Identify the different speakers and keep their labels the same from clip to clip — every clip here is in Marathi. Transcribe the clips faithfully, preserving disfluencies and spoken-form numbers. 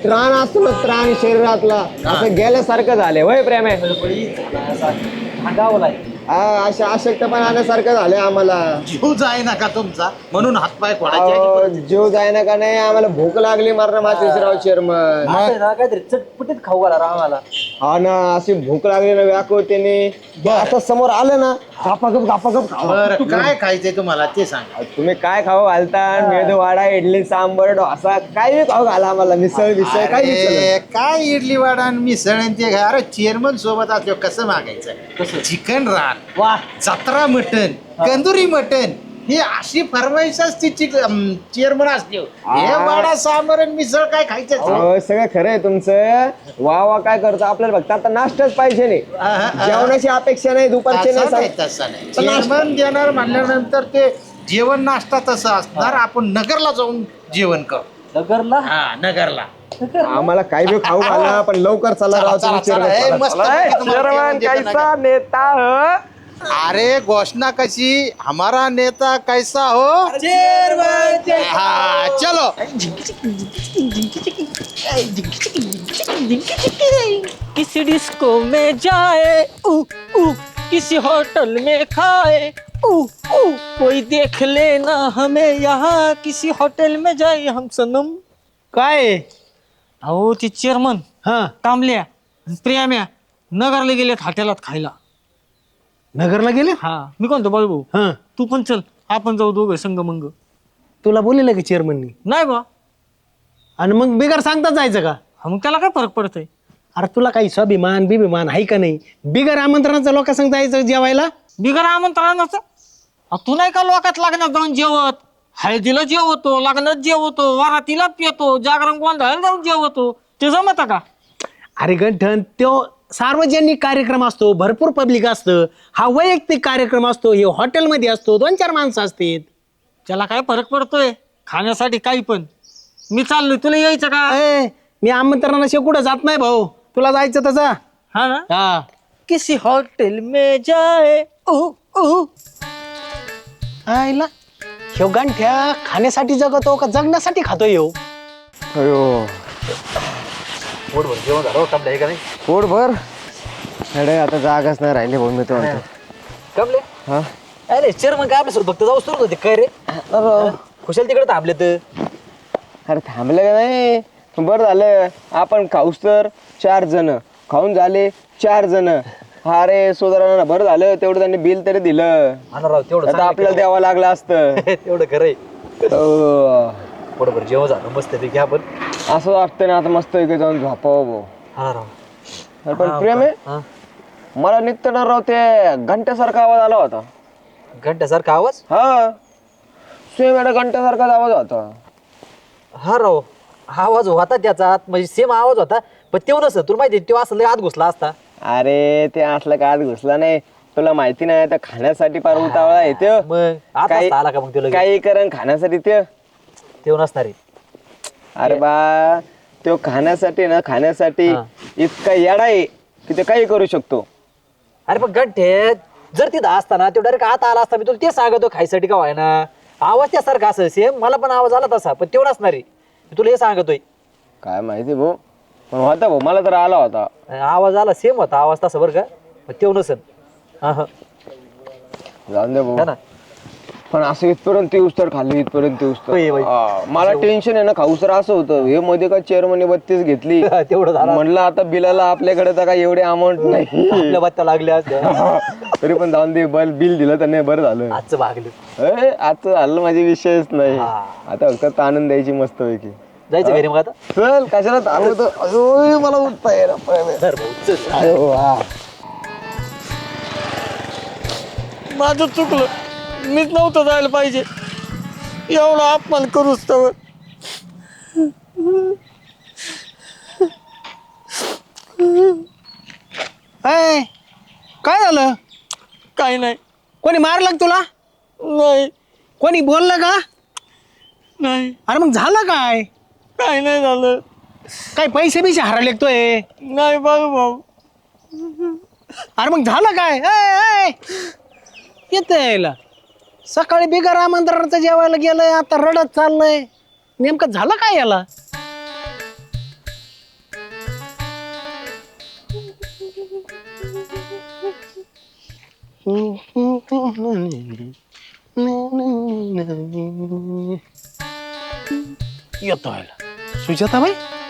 Speaker 1: त्राण असतो ना त्राण शरीरातला असं गेल्यासारखं झालंय वय प्रेम आहे अशा अशक्तपण आल्यासारखं झालंय आम्हाला.
Speaker 2: जीव जाय ना का तुमचा म्हणून हातपाय
Speaker 1: अहो,
Speaker 2: फोडायचे.
Speaker 1: जीव जायना का नाही आम्हाला भूक लागली मारणं माचेसराव चेअरमन.
Speaker 3: काहीतरी चटपटीत खाऊ घाला राव आम्हाला.
Speaker 1: हा ना अशी भूक लागली ना व्याकुळतेने आता समोर आलं ना गापागप गापागप खावा.
Speaker 2: बरं काय खायचंय तुम्हाला ते सांगा.
Speaker 1: तुम्ही काय खाऊ घालता मेदू वाडा इडली सांबर डोसा काय खाऊ घाला आम्हाला मिसळ मिसळ काय
Speaker 2: अरे, काय इडली वाडा आणि मिसळ आणि ते अरे चेअरमन सोबत असलो कसं मागायचं चिकन रान
Speaker 3: वा
Speaker 2: जत्रा मटन कंदुरी मटन ही अशी फरमाईश असते चेअरमन असते हे वाडा सांबर आणि मिसळ काय खायचं
Speaker 1: अहो, सगळं खरं आहे तुमचं वा वा काय करतो आपल्याला फक्त आता नाश्ताच पाहिजे नाही जेवणाची अपेक्षा नाही दुपारची
Speaker 2: तसं नाही,
Speaker 1: नाही
Speaker 2: तसं नाही. चेअरमन देणार म्हणल्यानंतर ते जेवण नाश्ता तसं असणार आपण नगरला जाऊन जेवण करू
Speaker 3: नगरला
Speaker 2: हा नगरला
Speaker 1: आम्हाला काही बी खाऊ घाला पण लवकर चला राव
Speaker 2: चला,
Speaker 1: तुम्ही
Speaker 2: चला,
Speaker 1: चेअरमन.
Speaker 2: ए, मस्त
Speaker 1: चला,
Speaker 2: पैकी
Speaker 1: ए,
Speaker 2: तुम्हाला
Speaker 1: चेअरमन
Speaker 2: जेवण देतो
Speaker 1: कैसा नेता हो
Speaker 2: अरे घोषणा कशी हमारा नेता कैसा हो हा चलो
Speaker 4: किसी डिस्को में जाए ऊ ऊ किसी होटल में खाए ऊ ऊ कोई देख लेना हमें यहाँ किसी होटल में जाए हम सनम.
Speaker 3: काय
Speaker 4: अहो ते चेअरमन
Speaker 3: हा
Speaker 4: तांबल्या प्रियाम्या नगरला गेलेत हॉटेलात खायला.
Speaker 3: नगरला गेले
Speaker 4: हा मी कोणतो बाळू
Speaker 3: हा
Speaker 4: तू पण चल आपण जाऊ दोघं संग मंग.
Speaker 3: तुला बोललेलं की चेअरमननी
Speaker 4: नाही बा
Speaker 3: आणि मग बिगर सांगता जायचं का?
Speaker 4: हा, मग त्याला काय फरक पडतंय.
Speaker 3: अरे तुला काही स्वाभिमान बिभिमान आहे का नाही? बिगर आमंत्रणाचं लोकांसंग जायचं जेवायला.
Speaker 4: बिगर आमंत्रणाचं अ, तू नाही का लोकात लग्नात जाऊन जेवत हळदीला जेवतो लग्नात जेवतो वरातीला पितो जागरण गोंधळाला जाऊन जेवतो ते जमत का?
Speaker 3: अरे गंठन तो सार्वजनिक कार्यक्रम असतो भरपूर पब्लिक असतं. हा वैयक्तिक कार्यक्रम असतो हे हॉटेलमध्ये असतो दोन चार माणसं असतात.
Speaker 4: त्याला काय फरक पडतोय खाण्यासाठी काही पण. मी चाललोय तुला यायचं का?
Speaker 3: ए, मी आमंत्रणाशिवाय कुठं जात नाही भाऊ. तुला जायचं तसं
Speaker 4: हा ना
Speaker 3: हा
Speaker 4: किसी हॉटेल में जाए ऊ ऊ.
Speaker 3: आईला ह्यो गांठ्या खाण्यासाठी जगतो का जगण्यासाठी खातो ह्यो?
Speaker 1: अयो
Speaker 3: पोटभर जेवण झालं कमले आहे का नाही?
Speaker 1: पोट भर अरे आता जागाच नाही राहिली भाऊ मी तो म्हणतो.
Speaker 3: कमले
Speaker 1: हा
Speaker 3: अरे चेअरमन काय आपल्यासोबत फक्त जाऊच तर होते काय रे? खुशाल तिकडे थांबले तर
Speaker 1: अरे थांबलं का नाही बरं झालं आपण खाऊस तर चार जण खाऊन झाले चार जण अरे सोदरांना बरं झालं तेवढं त्यांनी बिल तरी दिलं.
Speaker 3: राव तेवढं
Speaker 1: आता आपल्याला द्यावं लागलं असतं.
Speaker 3: तेवढं खरंय.
Speaker 1: हो.
Speaker 3: पोटभर जेवण झालं मस्त पैकी आपण.
Speaker 1: असं वाटतं ना आता मस्त इकडे जाऊन झोपावं भाऊ.
Speaker 3: हा राव
Speaker 1: अरे पण प्रेम आहे मला निघताना राव ते घंट्यासारखा आवाज आला होता.
Speaker 3: घंट्यासारखा आवाज?
Speaker 1: हा सेम एवढा घंट्यासारखाच आवाज होता.
Speaker 3: हा राव आवाज होता त्याचा म्हणजे सेम आवाज होता पण तेवढं नसतं तुला माहिती तो असं लय आत घुसला असता.
Speaker 1: अरे ते असलं का आत घुसला नाही तुला माहिती नाही तर खाण्यासाठी पार उतावळा येते
Speaker 3: मग आत
Speaker 1: काही-
Speaker 3: असता आला का मग तुला
Speaker 1: काही करण खाण्यासाठी ते
Speaker 3: तेव्हा नसणार आहे.
Speaker 1: अरे बा तो खाण्यासाठी ना खाण्यासाठी
Speaker 3: हा.
Speaker 1: इतका येडा आहे की ते काही करू शकतो.
Speaker 3: अरे पण घंटे जर तिथं असताना तो डायरेक्ट आत आला असता मी तुला ते सांगतो खायसाठी का व्हायना आवाज त्यासारखा असं सेम मला पण आवाज आला तसा पण तेवढं असणार आहे मी तुला हे सांगतोय.
Speaker 1: काय माहिती भाऊ पण होता भाऊ मला तर आला होता.
Speaker 3: आवाज आला सेम होता आवाज तसा बरं का पण तेवढं नसन. हा हा
Speaker 1: जाऊन दे
Speaker 3: है
Speaker 1: भाऊ
Speaker 3: ना
Speaker 1: पण असं इथपर्यंत येऊस तर खाल्ली इथपर्यंत येऊस तर
Speaker 3: होय, होय.
Speaker 1: हा, मला टेन्शन आहे ना खाऊस तर असं होतं हे मध्ये का चेअरमनी बत्तीस घेतली
Speaker 3: तेवढं झालं
Speaker 1: म्हणलं आता बिलाला आपल्याकडे तर काय एवढे अमाऊंट नाही
Speaker 3: आपल्या बत्त्या लागल्या असत्या.
Speaker 1: तरी पण जाऊन दे बल बिल दिलं तर नाही बरं झालं.
Speaker 3: आजचं भागलं
Speaker 1: ए, आजचं झालं माझे विषयच नाही
Speaker 3: हा.
Speaker 1: आता फक्त आनंद द्यायची मस्त पैकी.
Speaker 3: जायचं घरी मग आता
Speaker 1: चल कशाला थांबवतो अयो मला उठता येईना.
Speaker 3: धर भाऊ चल.
Speaker 1: अयो, हा.
Speaker 4: माझं चुकलं मीच नव्हतं जायला पाहिजे एवढा अपमान करूच तर.
Speaker 3: ए, काय झालं?
Speaker 4: काही नाही
Speaker 3: कोणी मारलं का तुला?
Speaker 4: नाही
Speaker 3: कोणी बोललं का?
Speaker 4: नाही
Speaker 3: अरे मग झालं काय?
Speaker 4: काही नाही झालं.
Speaker 3: काय पैसे बिसे हरायला लागतोय?
Speaker 4: नाही बाळू भाऊ
Speaker 3: अरे मग झालं काय? ए, ए, येतं यायला सकाळी बिगर आमंत्रणाचं जेवायला गेलंय आता रडत चाललंय नेमकं झालं काय याला?
Speaker 5: येतो आयला सुजाताबाई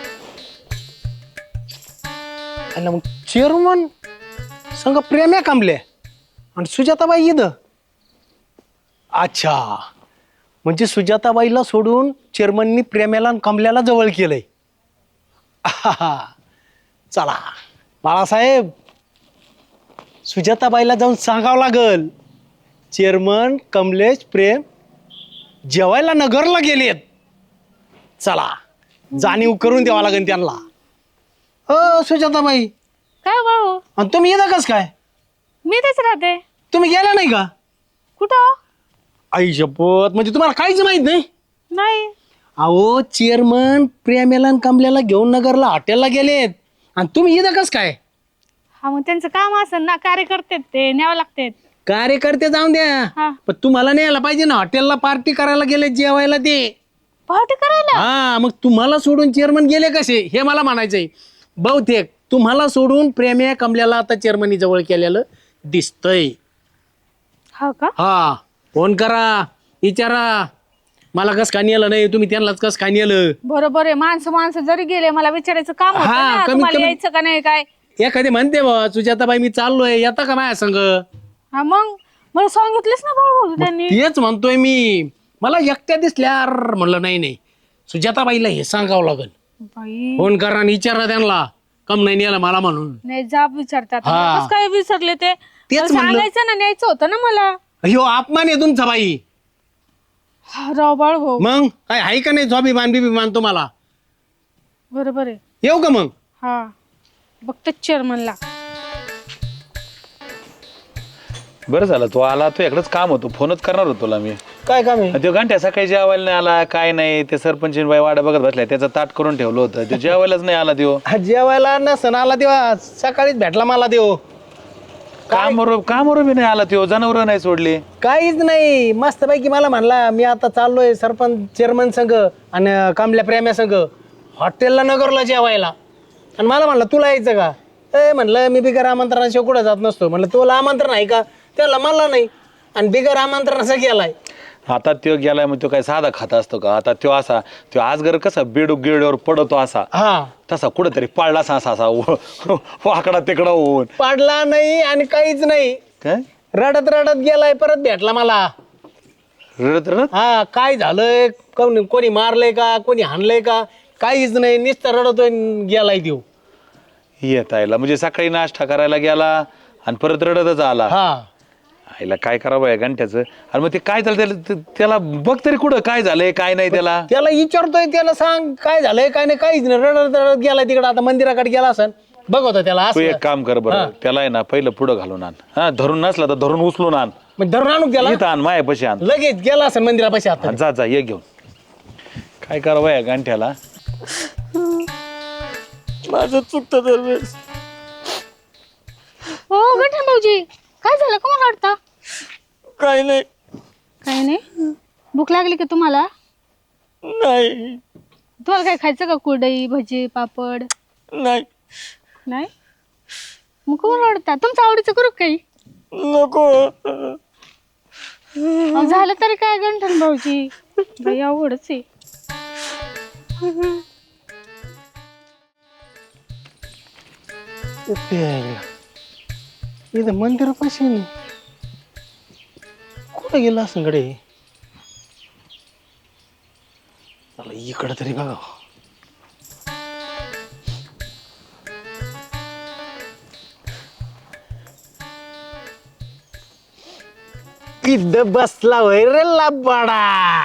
Speaker 5: आयला मग चेअरमन संग प्रेम्या कांबले आणि सुजाताबाई इथं अच्छा म्हणजे सुजाताबाईला सोडून चेअरमननी प्रेम्याला आणि कमल्याला जवळ केलंय आहा. चला बाळासाहेब सुजाताबाईला जाऊन सांगावं लागल चेअरमन कमलेश प्रेम जेवायला नगरला गेलेत. चला जाणीव करून द्यावा लागेल त्यांना. हो सुजाताबाई
Speaker 6: काय भाऊ
Speaker 5: आणि तुम्ही येता कस काय
Speaker 6: मी तेच राहते.
Speaker 5: तुम्ही गेला नाही का
Speaker 6: कुठं
Speaker 5: आई शपथ म्हणजे तुम्हाला काहीच माहित नाही.
Speaker 6: नाही
Speaker 5: अहो चेअरमन प्रेमेला आणि कमल्याला घेऊन नगरला हॉटेलला गेलेत आणि तुम्ही येता कस काय.
Speaker 6: हा मग त्यांचं काम असेल ना कार्यकर्ते ते न्यावं लागते.
Speaker 5: कार्यकर्ते जाऊन द्या
Speaker 6: हा
Speaker 5: पण तुम्हाला न्यायला पाहिजे ना हॉटेलला पार्टी करायला गेले जेवायला ते.
Speaker 6: पार्टी करायला
Speaker 5: हा मग तुम्हाला सोडून चेअरमन गेले कसे हे मला म्हणायचंय. बहुतेक तुम्हाला सोडून प्रेम्या कमल्याला आता चेअरमनी जवळ केलेलं दिसतंय.
Speaker 6: हा का
Speaker 5: हा फोन करा विचारा मला कस काय नेलं नाही तुम्ही त्यांनाच कस काय नेलं.
Speaker 6: बरोबर आहे. माणसं माणसं जरी गेले मला विचारायचं काम होतं
Speaker 5: हा,
Speaker 6: ना,
Speaker 5: कमीत
Speaker 6: तुम्हाला
Speaker 5: कमी-
Speaker 6: यायचं का नाही काय.
Speaker 5: एखादी म्हणते बा सुजाताबाई मी चाललोय येता का माझ्या संग.
Speaker 6: हा मग मला सांगितलंच ना भाऊ त्यांनी.
Speaker 5: तेच म्हणतोय मी मला एकट्या दिसल्या अर्र म्हणलं नाही नाही सुजाताबाईला हे सांगावं लागल.
Speaker 6: बाई
Speaker 5: फोन करा आणि विचारा त्यांना कम नाही नेलं मला म्हणून.
Speaker 6: नाही जाब विचारतात
Speaker 5: हा.
Speaker 6: कसं काय विसरले ते.
Speaker 5: तेच
Speaker 6: मला
Speaker 5: म्हणलं.
Speaker 6: सांगायचं ना न्यायचं होतं ना मला.
Speaker 5: ह्यो अपमान आहे तुमचा बाई.
Speaker 6: हा, राव बाळ भाऊ
Speaker 5: मग काय आहे का नाही स्वाभिमान बिभिमान तुम्हाला.
Speaker 6: बरोबर आहे.
Speaker 5: येऊ का मग.
Speaker 6: हा बघते चेअरमनला.
Speaker 7: बरं झालं तू आला तू इकडंच काम होतो फोनच करणार होतो तुला मी.
Speaker 5: काय काम आहे.
Speaker 7: तो घंट्या सकाळी जेवायला नाही आला काय नाही ते सरपंच बाई वाडा बघत बसलाय त्याचं ताट करून ठेवलं होतं ते जेवायलाच नाही आला त्यो.
Speaker 5: हा, जेवायला नसन आला तेव्हा सकाळीच भेटला मला देव.
Speaker 7: कामावर कामावर बी नाही आला त्यो जनावर नाही सोडली.
Speaker 5: काहीच नाही मस्तपैकी मला म्हणला मी आता चाललोय सरपंच चेअरमन संघ आणि कांबल्या प्रेम्या संघ हॉटेलला नगरला जेवायला आणि मला म्हणलं तुला यायचं का. ए म्हणलं मी बिगर आमंत्रणाशिवाय कुठं जात नसतो. म्हणलं तुला आमंत्रण आहे का त्याला मला नाही आणि बिगर आमंत्रणाचा गेलाय.
Speaker 7: आता त्यो गेलाय मग तो काय साधा खात असतो का. आता त्यो असा त्यो आजगर कसा बेडू गिरड्यावर पडतो असा
Speaker 5: हा
Speaker 7: तसा कुठंतरी पाळला असा असा असा वाकडा तिकडा होऊन.
Speaker 5: पाडला नाही आणि काहीच नाही
Speaker 7: काय
Speaker 5: रडत रडत गेलाय परत भेटला मला.
Speaker 7: रडत रडत
Speaker 5: हा काय झालंय कोणी कोणी मारलंय का कोणी हाणलंय का काहीच नाही नुसतं रडतोय आणि गेलाय देव.
Speaker 7: येत आयला म्हणजे सकाळी नाश्ता करायला गेला आणि परत रडतच आला.
Speaker 5: हा
Speaker 7: आईला काय करावं या घंट्याचं. आणि मग ते काय झालं त्याला त्याला बघ तरी कुठं काय झालंय काय नाही त्याला.
Speaker 5: त्याला विचारतोय त्याला सांग काय झालंय काय नाही काहीच नाही रडत रडत गेलाय तिकडे आता मंदिराकडे गेला असन बघ होता त्याला
Speaker 7: तू
Speaker 5: असं
Speaker 7: एक काम कर बरं त्याला आहे ना पहिलं पुढं घालून आण. हा धरून नसला तर धरून उचलून आण.
Speaker 5: मग धरून आणू त्याला
Speaker 7: इथं आण मायापाशी आण.
Speaker 5: लगेच गेला असेल मंदिरापाशी आता.
Speaker 7: हा, जा जा ये घेऊन. काय करावं या गांठ्याला.
Speaker 4: माझं चुकतं दरवेळेस.
Speaker 6: हो गठन भाऊजी काय झालं का मला वाटतं.
Speaker 4: काय नाही
Speaker 6: काही नाही. भूक लागली का तुम्हाला.
Speaker 4: नाही
Speaker 6: तुम्हाला काय खायचं का कुरडई भजी पापड.
Speaker 4: नाही
Speaker 6: नाही मग कोण आवडता तुमचं आवडीचं करू का काही.
Speaker 4: नको.
Speaker 6: अहो, झालं तरी काय गंठन भाऊजी बाई अवघडच आहे.
Speaker 5: इथं मंदिरापाशी कुठं गेला असं कडे. चला इकडं तरी बघा. इथं बसला होय रे लाबाडा.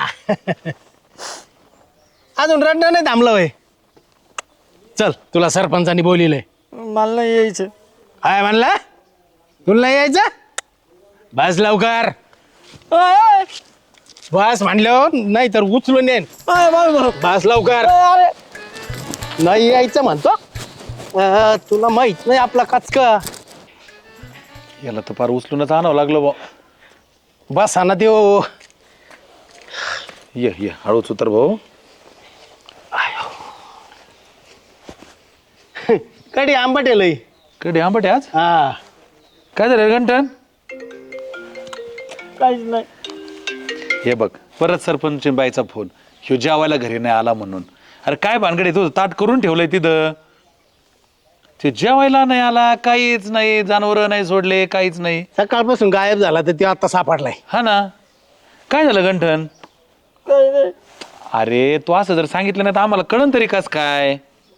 Speaker 5: अजून रडणं नाही थांबलं होय. चल तुला सरपंचानी बोलिलंय.
Speaker 4: मला नाही यायचं.
Speaker 5: काय म्हणला तुला नाही यायचं बस लवकर.
Speaker 4: अय,
Speaker 5: बस म्हणलं नाही तर उचलून येईन.
Speaker 4: अय, बाय, बाय.
Speaker 5: बस लवकर.
Speaker 4: अरे
Speaker 5: नाही यायचं म्हणतो. अं, तुला माहित नाही आपला कचका.
Speaker 7: याला तर फार उचलूनच आणावं लागलं बा.
Speaker 5: बस हा ना देव.
Speaker 7: ये ये हळूच उतर भाऊ.
Speaker 5: कडी आंबट आहे लई.
Speaker 7: कडे आंबट आहे आज.
Speaker 5: हा
Speaker 7: काय झालं रे गंठन.
Speaker 4: काहीच नाही.
Speaker 7: हे बघ परत सरपंच बाईचा फोन, ह्यो जेवायला घरी नाही आला म्हणून. अरे काय भानगड आहे, तुझं ताट करून ठेवलंय तिथं, ते जेवायला नाही आला, काहीच नाही, जनावर नाही सोडले, काहीच नाही.
Speaker 5: सकाळपासून गायब झाला तर ते आता सापडलाय.
Speaker 7: हा ना, काय झालं गंठन?
Speaker 4: काही नाही.
Speaker 7: अरे तू असं जर सांगितलं नाही तर आम्हाला कळन तरी कस काय.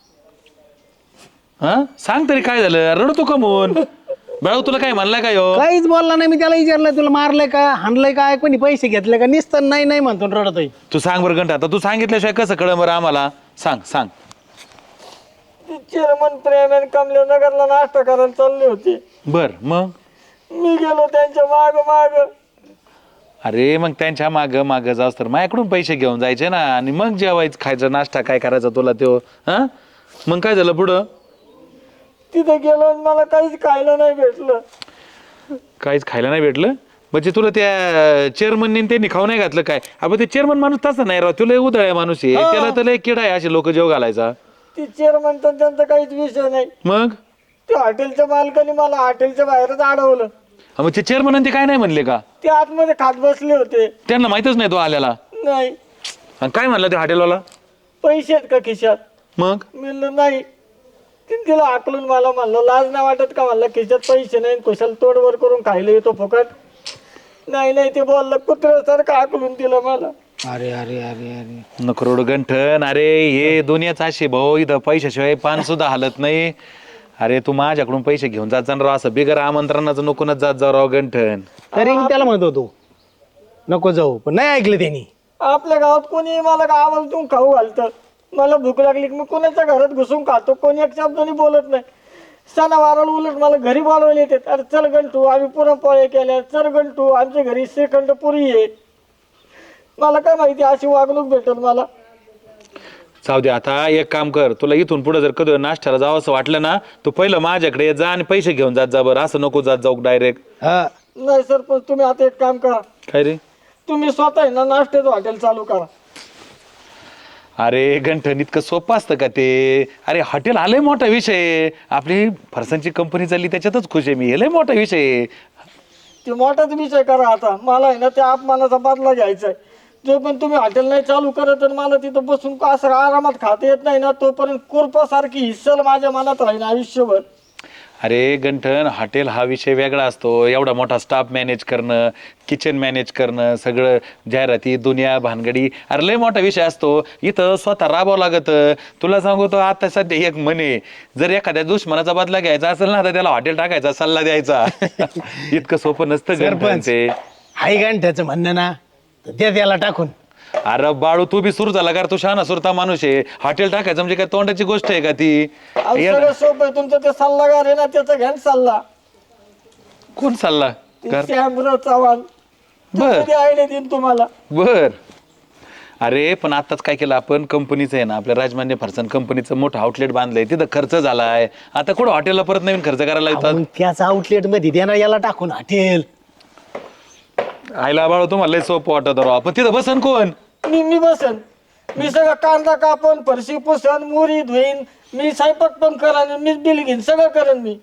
Speaker 7: हा सांग तरी काय झालं, रडतो का म्हणून? बाळू तुला काय म्हणलाय का ह्यो?
Speaker 5: काहीच बोलला नाही. मी त्याला विचारलंय तुला मारलंय का, हाणलंय काय, कोणी पैसे घेतले का, निसतं नाही नाही म्हणतो आणि रडतोय.
Speaker 7: तू सांग बरं घंटा, आता तू सांगितल्याशिवाय कसं कळ बरं आम्हाला, सांग सांग.
Speaker 4: चेअरमन प्रेम कमले नगरला नाश्ता करायला चालले होते.
Speaker 7: बर मग?
Speaker 4: मी गेलो त्यांच्या माग माग.
Speaker 7: अरे मग त्यांच्या माग माग जाऊस तर माझ्याकडून पैसे घेऊन जायचे ना, आणि मग जेवायचं खायचं नाश्ता काय करायचा तुला त्यो. हा मग काय झालं पुढं?
Speaker 4: तिथे गेलो आणि मला काहीच खायला नाही भेटलं.
Speaker 7: काहीच खायला नाही भेटलं म्हणजे तुला त्या चेअरमनने त्यांनी खाऊ नाही घातलं काय? आपण ते चेअरमन माणूस तसा नाही राव, तुला उदळ आहे माणूस आहे, त्याला तर लय किडा आहे असे लोक जेव घालायचा.
Speaker 4: ती चेअरमन तर त्यांचा काहीच विषय नाही.
Speaker 7: मग
Speaker 4: त्या हॉटेलच्या मालकाने मला हॉटेलच्या बाहेरच अडवलं.
Speaker 7: मग ते चेअरमन ते काय नाही म्हणले का?
Speaker 4: ते आतमध्ये खात बसले होते.
Speaker 7: त्यांना माहितच नाही तो आल्याला.
Speaker 4: नाही.
Speaker 7: आणि काय म्हणलं ते हॉटेलवाला?
Speaker 4: पैसे आहेत का खिशात?
Speaker 7: मग
Speaker 4: मी म्हणलं नाही. तिने तिला आकलून मला म्हणलं लाज नाही वाटत का, म्हणलं खिशात पैसे नाही, कुशाला तोडवर करून खायला येतो फुकट. नाही नाही ते बोललं कुत्र्यासारखं आकलून दिलं मला.
Speaker 5: अरे अरे अरे अरे
Speaker 7: नकरोड गंठन, अरे हे दुनियाच अशी भाऊ, इथं पैशाशिवाय पान सुद्धा हालत नाही. अरे तू माझ्याकडून पैसे घेऊन जात जा राव, असं बिगर आमंत्रणाचं नकोनच जात जाऊ राव गंठन.
Speaker 5: तरी मी त्याला म्हणत होतो नको जाऊ, पण नाही ऐकलं त्यांनी.
Speaker 4: आपल्या गावात कोणी मला गावातून खाऊ घालतं. मला भूक लागली की मी कोणाच्या घरात घुसून खातो, कोणी एक शब्दाने बोलत नाही. सणावाराला उलट मला घरी बोलवायला येते. अरे चल गंटू आम्ही पुरणपोळ्या केल्या, चल गंटू आमच्या घरी श्रीखंड पुरी आहे. मला काय माहिती अशी वागणूक भेटेल मला.
Speaker 7: जाऊ दे, आता एक काम कर, तुला इथून पुढे जर कधी नाश्त्याला जावं असं वाटलं ना, तू पहिलं माझ्याकडे जा आणि पैसे घेऊन जात जा बरं, असं नको जात जाऊ डायरेक्ट.
Speaker 5: हा
Speaker 4: नाही सरपंच तुम्ही आता एक काम करा,
Speaker 7: काय रे?
Speaker 4: तुम्ही स्वतः आहे ना नाश्त्याचं हॉटेल चालू करा.
Speaker 7: अरे गंठन इतकं सोपं असतं का ते? अरे हॉटेल हा लय मोठा विषय आहे. आपली फरसांची कंपनी चालली त्याच्यातच खुश आहे मी, हे लय मोठा विषय आहे.
Speaker 4: ते मोठाच विषय करा आता. मला आहे ना त्या अपमानाचा बदला घ्यायचा आहे. जो पण तुम्ही हॉटेल नाही चालू करत तर मला तिथं बसून असं आरामात खाता येत नाही ना, तोपर्यंत कुरपासारखी हिस्सल माझ्या मनात राहील आयुष्यभर.
Speaker 7: अरे गंठन हॉटेल हा विषय वेगळा असतो. एवढा मोठा स्टाफ मॅनेज करणं, किचन मॅनेज करणं, सगळं जाहिराती दुनिया भानगडी, अरे लय मोठा विषय असतो. इथं स्वतः राबावं लागतं. तुला सांगतो आता सध्या एक म्हणे, जर एखाद्या दुश्मनाचा बदला घ्यायचा असेल ना तर त्याला हॉटेल टाकायचा सल्ला द्यायचा. इतकं सोपं नसतं गंठन ते.
Speaker 5: हाय गांठ्याचं म्हणणं ना, तर दे त्याला टाकून.
Speaker 7: अरे बाळू तू बी सुरू झाला का? तू शहाणा सुरता माणूस आहे. हॉटेल टाकायचं म्हणजे काय तोंडाची गोष्ट आहे का ती?
Speaker 4: अहो, सगळं सोपं आहे. तुमचं ते सल्लागार आहे ना त्याचा घ्या ना सल्ला.
Speaker 7: कोण सल्ला?
Speaker 4: ते श्यामराव चव्हाण
Speaker 7: बर
Speaker 4: आयडिया देईन तुम्हाला.
Speaker 7: बर अरे पण आताच काय केलं आपण, कंपनीचं आहे ना आपल्या राजमान्य फरसान कंपनीचं मोठं आउटलेट बांधलंय, तिथं खर्च झालाय. आता कुठं हॉटेलला परत नवीन खर्च करायला येतात?
Speaker 5: मग त्याच आउटलेट मध्ये देणार याला टाकून हॉटेल.
Speaker 7: आईला बाळू तुम्हाला लय सोपं वाटत राव, पण तिथं बसन कोण?
Speaker 4: मी मी बसन. मी सगळं कांदा कापन, फरशी पुसन, मुरी धुईन, मी स्वयंपाक पण करेन, मीच बिल घेईन, सगळं करेन मी.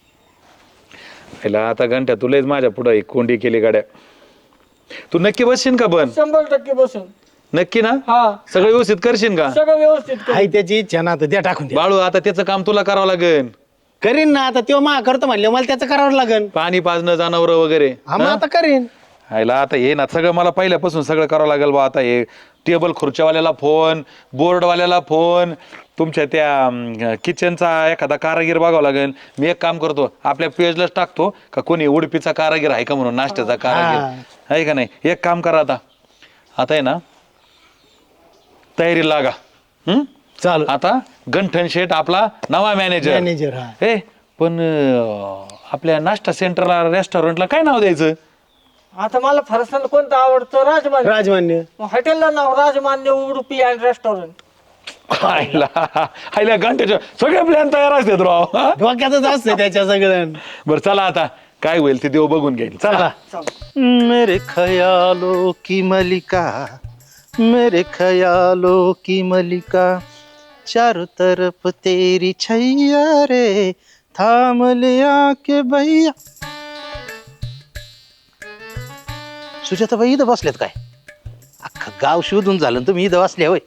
Speaker 7: आईला आता घंट्या तुलाच माझ्या पुढं एक कोंडी केली गाड्या. तू नक्की बसशील का? पण
Speaker 4: शंभर टक्के बसन.
Speaker 7: नक्की ना?
Speaker 4: हा
Speaker 7: सगळं व्यवस्थित करशील का?
Speaker 4: सगळं व्यवस्थित करेन.
Speaker 5: हाय त्याची इच्छा ना, तर द्या टाकून द्या.
Speaker 7: बाळू आता त्याचं काम तुला करावं लागेल.
Speaker 5: करीन ना आता, तो मा करतो म्हणले मला त्याचं करावं लागेल.
Speaker 7: पाणी पाजणं, जनावर वगैरे.
Speaker 5: हा मग आता करीन.
Speaker 7: आयला आता हे ना सगळं मला पहिल्यापासून सगळं करावं लागेल बा. आता हे टेबल खुर्च्यावाल्याला फोन, बोर्डवाल्याला फोन, तुमच्या त्या किचनचा एखादा कारागीर बघावं लागेल. मी एक काम करतो, आपल्या पेजलाच टाकतो का कोणी उडपीचा कारागीर आहे का म्हणून, नाश्त्याचा कारागीर आहे का नाही. एक काम करा आता, आता आहे ना तयारी लागा. हम्म
Speaker 5: चालू
Speaker 7: आता गंठन शेठ आपला नवा मॅनेजर.
Speaker 5: मॅनेजर हा.
Speaker 7: हे पण अं, आपल्या नाश्ता सेंटरला रेस्टॉरंटला काय नाव द्यायचं?
Speaker 4: आता मला फरसाण कोणतं आवडतं? राजमान्य.
Speaker 5: राजमान्य.
Speaker 4: हॉटेलला नाव राजमान्य उडुपी अँड रेस्टॉरंट.
Speaker 7: आईला आईला घंट्याच्या सगळे प्लॅन तयार असतात राव. हा?
Speaker 5: डोक्यातच असतं त्याच्या सगळं.
Speaker 7: बरं चला आता काय होईल ते देव बघून घेईल. चला.
Speaker 2: मेरे ख्यालों की मलिका, मेरे ख्यालों की मलिका, चारों तरफ तेरी छैया रे, थाम लिया के भैया. सुजाताबाई इथं बसल्यात काय? अख्खं गाव शोधून झालं आणि तुम्ही इथं बसले होय.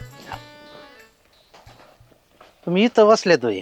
Speaker 2: तुम्ही इथं बसल्यात होय.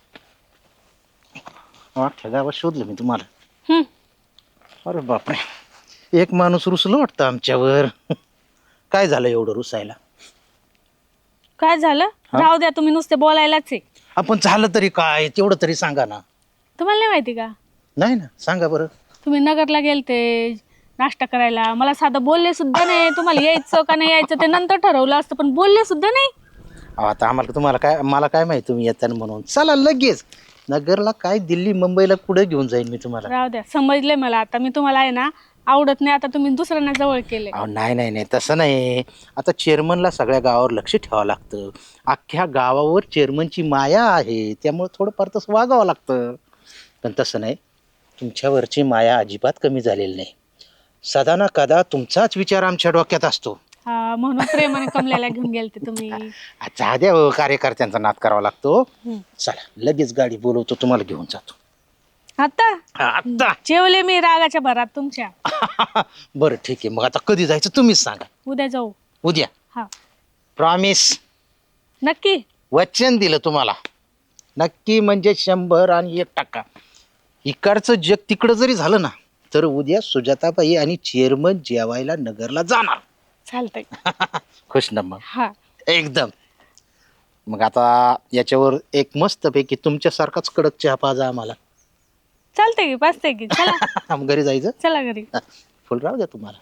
Speaker 2: अख्ख्या गावात शोधलं मी तुम्हाला.
Speaker 6: हम्म.
Speaker 2: अरे बापरे, एक माणूस रुसलो वाटतं आमच्यावर. काय झालं एवढं रुसायला?
Speaker 6: काय झालं? राहू द्या, तुम्ही नुसते बोलायलाच आहे.
Speaker 2: आपण झालं तरी काय तेवढं तरी सांगा ना.
Speaker 6: तुम्हाला नाही माहिती का?
Speaker 2: नाही ना, सांगा बरं.
Speaker 6: तुम्ही नगरला गेलते नाश्ता करायला, मला साधं बोलले सुद्धा नाही. तुम्हाला यायचं का नाही यायचं ते नंतर ठरवलं असतं, पण बोलले सुद्धा नाही.
Speaker 2: अहो, आता आम्हाला तुम्हाला काय मला काय माहिती तुम्ही येताना म्हणून. चला लगेच नगरला, काय दिल्ली मुंबईला कुठे घेऊन जाईन मी तुम्हाला.
Speaker 6: राहू द्या, समजले मला आता. मी तुम्हाला आहे ना आवडत नाही, आता तुम्ही दुसऱ्यांना जवळ केले.
Speaker 2: अहो नाही नाही नाही तसं नाही. आता चेअरमनला सगळ्या गावावर लक्ष ठेवावं लागतं. अख्ख्या गावावर चेअरमनची माया आहे, त्यामुळे थोडंफार तसं वागावं लागतं. पण तसं नाही, तुमच्यावरची माया अजिबात कमी झालेली नाही. सदा ना कदा तुमचाच विचार आमच्या डोक्यात असतो.
Speaker 6: हा, म्हणून प्रेमाने कमल्याला घेऊन गेलते तुम्ही.
Speaker 2: अच्छा द्या हो, कार्यकर्त्यांचा नाद करावा लागतो. चला लगेच गाडी बोलवतो, तुम्हाला घेऊन जातो.
Speaker 6: आता
Speaker 2: आता
Speaker 6: जेवले मी रागाच्या भरात तुमच्या.
Speaker 2: बरं ठीक आहे, मग आता कधी जायचं तुम्हीच सांगा.
Speaker 6: उद्या जाऊ.
Speaker 2: उद्या?
Speaker 6: हा,
Speaker 2: प्रॉमिस?
Speaker 6: नक्की.
Speaker 2: वचन दिलं तुम्हाला. नक्की म्हणजे शंभर आणि एक टक्का. इकडचं जग तिकडं जरी झालं ना, तर उद्या सुजाताबाई आणि चेअरमन जेवायला नगरला जाणार.
Speaker 6: चालतंय.
Speaker 2: खुश ना मग?
Speaker 6: हा,
Speaker 2: एकदम. मग आता याच्यावर एक मस्तपैकी तुमच्यासारखाच कडक चहा पाजा आम्हाला.
Speaker 6: चालतंय की, पाचतंय की. चला
Speaker 2: मग घरी जायचं.
Speaker 6: चला घरी.
Speaker 2: फुल राहू द्या तुम्हाला.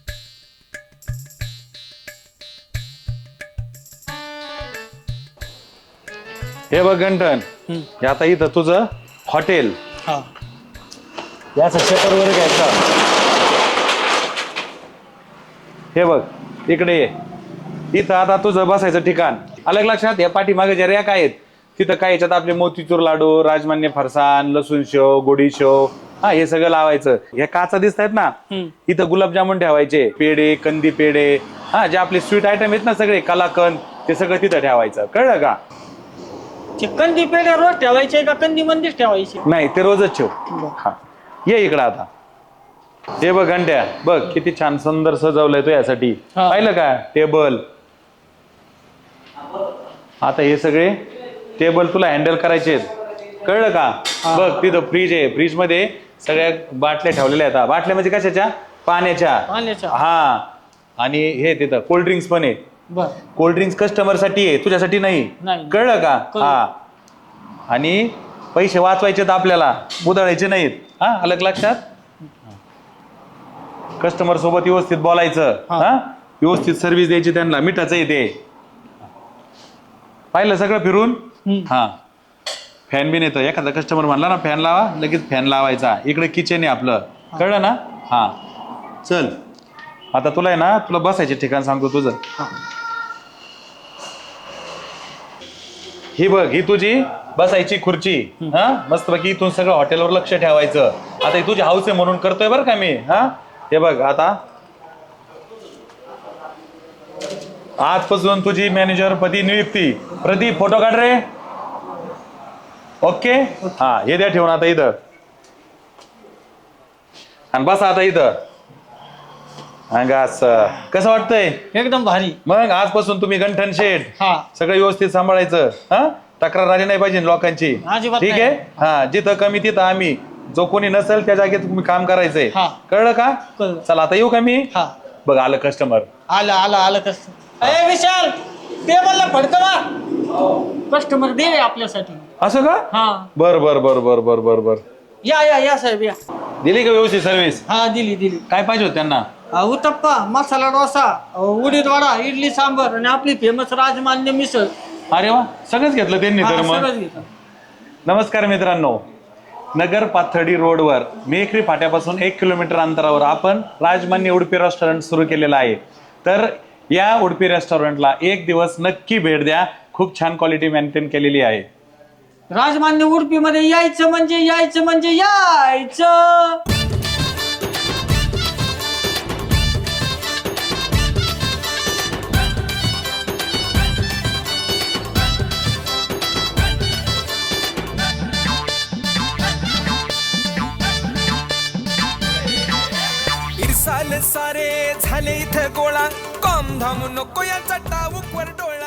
Speaker 7: हे बघ गंठन, हे आता इथं तुझं हॉटेल.
Speaker 5: हा.
Speaker 7: याचं शेटर वगैरे घ्यायचं. हे बघ इकडे ये. इथं आता तुझं बसायचं ठिकाण. अलग लक्षात, या पाठीमागे ज्या रॅक आहेत तिथं काय याच्यात आपले मोतीचूर लाडू, राजमान्य फरसाण, लसूण शेव, गोडी शेव, हा हे सगळं लावायचं. हे काचा दिसत आहेत ना, इथं गुलाबजामुन ठेवायचे, पेढे, कंदी पेढे, हा जे आपले स्वीट आयटम आहेत ना सगळे, कलाकंद, ते सगळं तिथं ठेवायचं. कळलं का?
Speaker 4: ते कंदी पेढे रोज ठेवायचे का कंदी मंदीच ठेवायचे?
Speaker 7: नाही, ते रोजच ठेव. हा ये इकडं आता. हे बघ घंट्या, बघ किती छान सुंदर सजवलंय तो यासाठी. पाहिलं का टेबल? आता हे सगळे टेबल तुला हँडल करायचे आहेत. कळलं का? बघ तिथं फ्रीज आहे, फ्रीज मध्ये सगळ्या बाटल्या ठेवलेल्या आहेत. बाटल्या म्हणजे कशाच्या? पाण्याच्या.
Speaker 4: पाण्याच्या.
Speaker 7: हा, आणि हे तिथं कोल्ड्रिंक्स पण आहे.
Speaker 4: बर.
Speaker 7: कोल्ड्रिंक्स कस्टमर साठी आहे, तुझ्यासाठी नाही.
Speaker 4: नाही.
Speaker 7: कळलं का? हा, आणि पैसे वाचवायचे आपल्याला, उधळायचे नाहीत. हा, अलग लक्षात. कस्टमर सोबत व्यवस्थित बोलायचं, हा व्यवस्थित सर्व्हिस द्यायची त्यांना. मिठाचं येते. पाहिलं सगळं फिरून? हा, फॅन बिन येतं. एखादा कस्टमर म्हणला ना फॅन लावा, लगेच फॅन लावायचा. इकडे किचन आहे आपलं. कळलं ना? हा, चल आता तुला आहे ना, तुला बसायचे ठिकाण सांगतो तुझं. ही बघ, ही तुझी बसायची खुर्ची. हा, मस्त बाकी इथून सगळं हॉटेलवर लक्ष ठेवायचं. आता ही तुझी हाऊस आहे म्हणून करतोय बरं का मी. हा, हे बघ आता आजपासून तुझी मॅनेजर पदी नियुक्ती. प्रदीप फोटो काढ रे. ओके. हा, हे द्या ठेवून आता इथं. आणि बसा आता इथं. असं कसं वाटतंय?
Speaker 4: एकदम भारी.
Speaker 7: मग आजपासून तुम्ही गंठन शेठ
Speaker 4: हा,
Speaker 7: सगळं व्यवस्थित सांभाळायचं. हा, तक्रार आली नाही पाहिजे लोकांची.
Speaker 4: अजिबात
Speaker 7: ठीक
Speaker 4: नाही.
Speaker 7: आहे. हा, जिथं कमी तिथं आम्ही. जो कोणी नसेल त्या जागेत तुम्ही काम करायचंय.
Speaker 4: हा.
Speaker 7: कळलं का?
Speaker 4: कळलं.
Speaker 7: चला आता येऊ का मी?
Speaker 4: हा.
Speaker 7: बघ आलं कस्टमर.
Speaker 4: आलं आलं आलं कसं. ए विशाल, टेबलला फडकं मार. कस्टमर दे आपल्यासाठी.
Speaker 7: असं का?
Speaker 4: हा,
Speaker 7: बर बर बर बर बर बर बर
Speaker 4: या या या साहेब या.
Speaker 7: दिली का व्यवस्थित सर्व्हिस?
Speaker 4: हा, दिली दिली.
Speaker 7: काय पाहिजे होत त्यांना?
Speaker 4: अ, उत्तप्पा, मसाला डोसा, अ, उडीद वडा, इडली सांबर आणि आपली फेमस राजमान्य मिसळ.
Speaker 7: अरे वा, सगळंच घेतलं त्यांनी
Speaker 4: हा,
Speaker 7: तर मग.
Speaker 4: सगळंच घेतलं.
Speaker 7: नमस्कार मित्रांनो. नगर पाथर्डी रोडवर मेखरी फाट्यापासून एक किलोमीटर अंतरावर आपण राजमान्य उडपी रेस्टॉरंट सुरू केलेलं आहे. तर या उडपी रेस्टॉरंटला एक दिवस नक्की भेट द्या. खूप छान क्वालिटी मेंटेन केलेली आहे.
Speaker 4: राजमान्य उडपी मध्ये यायचं म्हणजे यायचं म्हणजे यायचं.
Speaker 8: माल सारे झाले इथं गोळा कॉम धाम नको याचा टाऊक वर डोळा